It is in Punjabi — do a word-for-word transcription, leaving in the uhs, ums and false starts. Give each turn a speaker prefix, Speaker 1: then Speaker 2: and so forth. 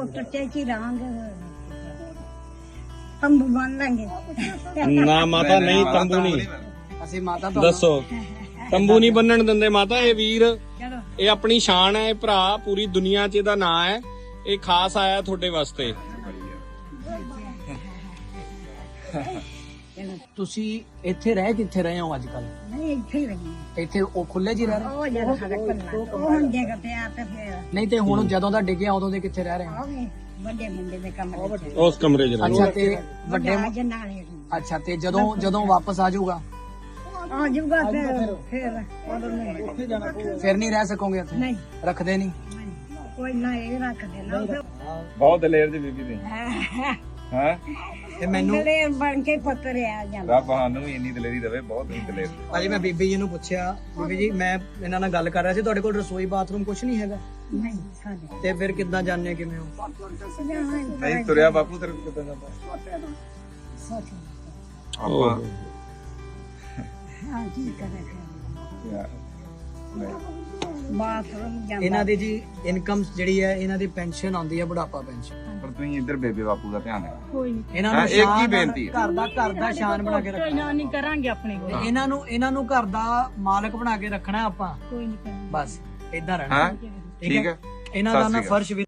Speaker 1: ਟੱਟੇ ਚ ਹੀ ਰਹਾਂਗੇ ਤੰਬੂ ਬੰਨ ਲਾਂਗੇ
Speaker 2: ਨਾ ਮਾਤਾ ਨਹੀਂ ਤੰਬੂ ਨਹੀਂ
Speaker 3: ਅਸੀਂ ਮਾਤਾ
Speaker 2: ਦੱਸੋ ਤੰਬੂ ਨਹੀਂ ਬੰਨਣ ਦਿੰਦੇ ਮਾਤਾ। ਇਹ ਵੀਰ
Speaker 1: ਚਲੋ
Speaker 2: ਇਹ ਆਪਣੀ ਸ਼ਾਨ ਹੈ, ਇਹ ਭਰਾ ਪੂਰੀ ਦੁਨੀਆ 'ਚ ਇਹਦਾ ਨਾਂ ਹੈ। ਇਹ ਖਾਸ ਆਇਆ ਤੁਹਾਡੇ ਵਾਸਤੇ।
Speaker 3: ਤੁਸੀਂ ਇੱਥੇ ਰਹਿ ਕਿੱਥੇ ਰਹੇ ਹੋ ਅੱਜ ਕੱਲ?
Speaker 1: ਨਹੀਂ ਇੱਥੇ ਹੀ ਰਹੀ
Speaker 3: ਇੱਥੇ ਉਹ ਖੁੱਲੇ ਜੀ ਰਹਿ ਰਹੇ?
Speaker 1: ਉਹ ਜਗ੍ਹਾ ਸਾਡੇ ਕੋਲ ਉਹ ਹੁਣ ਜਗ੍ਹਾ ਤੇ ਆ ਤੇ ਫਿਰ
Speaker 3: ਨਹੀਂ ਤੇ ਹੁਣ ਜਦੋਂ ਦਾ ਡਿੱਗਿਆ ਉਦੋਂ ਦੇ ਕਿੱਥੇ ਰਹਿ ਰਹੇ ਹੋ?
Speaker 1: ਆਵੇ ਵੱਡੇ ਮੁੰਡੇ ਦੇ ਕਮਰੇ ਚ
Speaker 2: ਉਸ ਕਮਰੇ 'ਚ ਰਹੋ।
Speaker 3: ਅੱਛਾ ਤੇ ਵੱਡੇ
Speaker 1: ਵੱਡੇ ਜਨਾਲੇ
Speaker 3: ਅੱਛਾ ਤੇ ਜਦੋਂ ਜਦੋਂ ਵਾਪਸ ਆ ਜਾਊਗਾ
Speaker 1: ਆ ਜੂਗਾ ਫਿਰ ਫਿਰ ਉਦੋਂ ਨਹੀਂ
Speaker 3: ਫਿਰ ਨਹੀਂ ਰਹਿ ਸਕੋਗੇ ਇੱਥੇ?
Speaker 1: ਨਹੀਂ
Speaker 3: ਰੱਖਦੇ ਨਹੀਂ?
Speaker 1: ਕੋਈ ਨਾ ਇਹ ਰੱਖ ਦੇਣਾ
Speaker 4: ਬਹੁਤ ਦਲੇਰ ਜੀ ਬੀਬੀ ਦੇ ਹਾਂ
Speaker 3: ਤੇ ਮੈਨੂੰ
Speaker 1: ਦਲੇਰ ਬਣ ਕੇ ਪੁੱਤਰ ਆ ਜਾਂਦਾ।
Speaker 4: ਰੱਬ ਸਾਨੂੰ ਵੀ ਇੰਨੀ ਦਲੇਰੀ ਦੇਵੇ, ਬਹੁਤ ਹੀ ਦਲੇਰ।
Speaker 3: ਭਾਜੀ ਮੈਂ ਬੀਬੀ ਜੀ ਨੂੰ ਪੁੱਛਿਆ, ਬੀਬੀ ਜੀ ਮੈਂ ਇਹਨਾਂ ਨਾਲ ਗੱਲ ਕਰ ਰਿਹਾ ਸੀ, ਤੁਹਾਡੇ ਕੋਲ ਰਸੋਈ ਬਾਥਰੂਮ ਕੁਝ ਨਹੀਂ ਹੈਗਾ?
Speaker 1: ਨਹੀਂ ਸਾਡੇ
Speaker 3: ਤੇ ਫਿਰ ਕਿੱਦਾਂ ਜਾਣਦੇ ਕਿਵੇਂ ਹੋ?
Speaker 4: ਨਹੀਂ ਤੁਰਿਆ ਬਾਪੂ ਤੇਰੇ ਕਿੱਦਾਂ ਜਾਂਦਾ ਆਪਾਂ
Speaker 1: ਹਾਂ ਕੀ ਕਰੇ
Speaker 4: ਯਾਰ, ਨਹੀਂ।
Speaker 1: ਬਾਥਰੂਮ ਜਾਂਦਾ
Speaker 3: ਇਹਨਾਂ ਦੀ ਜੀ ਇਨਕਮ ਜਿਹੜੀ ਹੈ, ਇਹਨਾਂ ਦੀ ਪੈਨਸ਼ਨ ਆਉਂਦੀ ਹੈ ਬੁਢਾਪਾ ਪੈਨਸ਼ਨ।
Speaker 4: ਪਰ ਤੁਸੀਂ ਇੱਧਰ ਬੇਬੇ ਬਾਪੂ ਦਾ ਧਿਆਨ ਰੱਖੋ।
Speaker 1: ਕੋਈ ਨਹੀਂ
Speaker 3: ਇਹਨਾਂ
Speaker 4: ਹਾਂ,
Speaker 3: ਨੂੰ
Speaker 4: ਇੱਕ ਹੀ
Speaker 3: ਸ਼ਾਨ
Speaker 4: ਬੇਨਤੀ ਹੈ।
Speaker 3: ਘਰ ਦਾ ਘਰ ਦਾ ਸ਼ਾਨ ਬਣਾ ਕੇ ਰੱਖਣਾ।
Speaker 1: ਨਹੀਂ ਕਰਾਂਗੇ ਆਪਣੇ ਕੋਲ
Speaker 3: ਤੇ ਇਹਨਾਂ ਨੂੰ ਇਹਨਾਂ ਨੂੰ ਘਰ ਦਾ ਮਾਲਕ ਬਣਾ ਕੇ ਰੱਖਣਾ ਆਪਾਂ,
Speaker 1: ਕੋਈ ਨਹੀਂ ਕਰਾਂਗੇ
Speaker 3: ਬਸ ਇਦਾਂ ਰਹਿਣਾ।
Speaker 4: ਹਾਂ ਠੀਕ ਹੈ।
Speaker 3: ਇਹਨਾਂ ਦਾ
Speaker 4: ਸਤਿ
Speaker 3: ਨਾ
Speaker 4: ਸ਼੍ਰੀ ਅਕਾਲ।
Speaker 3: ਫਰਸ਼ ਵੀ